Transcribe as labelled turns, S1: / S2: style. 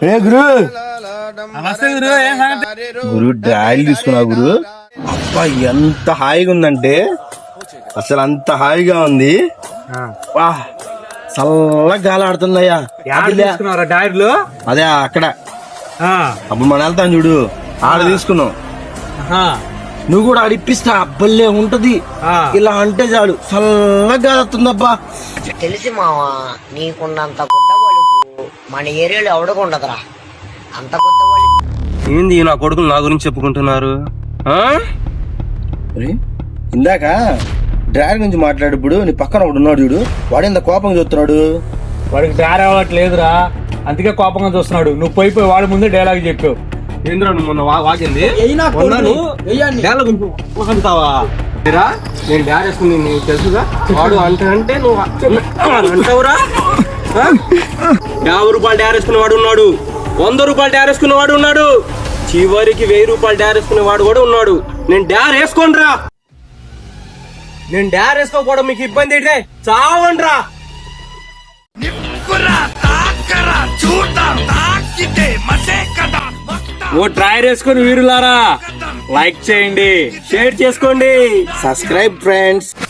S1: గురు డ్రాయిల్ తీసుకున్నా గురు. అబ్బా ఎంత హాయిగా ఉందంటే అసలు అంత హాయిగా ఉంది. చల్లగా గాలి ఆడుతుందయ్యా. అదే అక్కడ అప్పుడు మనం వెళ్తాం చూడు, ఆడ తీసుకున్నాం. నువ్వు కూడా ఆడిప్పిస్తా, అబ్బల్లే ఉంటది. ఇలా అంటే చాలు చల్లగా గాలి వస్తుందబ్బా.
S2: తెలిసి మావా నీకున్నంత గుద్దగొలుపు మన ఏరియాలో ఎవడకుండదురా. అంత గుద్దగొలి
S1: ఏంది నా కొడుకులు నా గురించి చెప్పుకుంటున్నారు? ఇందాక డ్రైవర్ గురించి మాట్లాడేప్పుడు నీ పక్కన ఒకడు ఉన్నాడు చూడు, వాడు ఎంత కోపంగా చూస్తున్నాడు.
S3: వాడికి డ్రైవర్ అవ్వట్లేదురా, అందుకే కోపంగా చూస్తున్నాడు. నువ్వు పోయి వాడి ముందే డైలాగ్ చెప్పావు.
S1: ఏంద్రా నువ్వు మొన్న వాగింది? నేను డ్యార్ వేసుకుని నీకు తెలుసుగా. వాడు అంటే నువ్వు అంటావురా. 50 రూపాయలు డ్యార్ వేసుకునే వాడు ఉన్నాడు, 100 రూపాయలు డ్యార్ వేసుకునే వాడు ఉన్నాడు, చివరికి 1000 రూపాయలు డ్యార్ వేసుకునే వాడు కూడా ఉన్నాడు. నేను డ్యార్ వేసుకోండిరా. నేను డ్యార్ వేసుకోకపోవడం మీకు ఇబ్బంది అయితే చావండ్రా.
S3: ఓ ట్రైర్ వేసుకొని వీరులారా లైక్ చేయండి, షేర్ చేసుకోండి.
S1: Subscribe friends.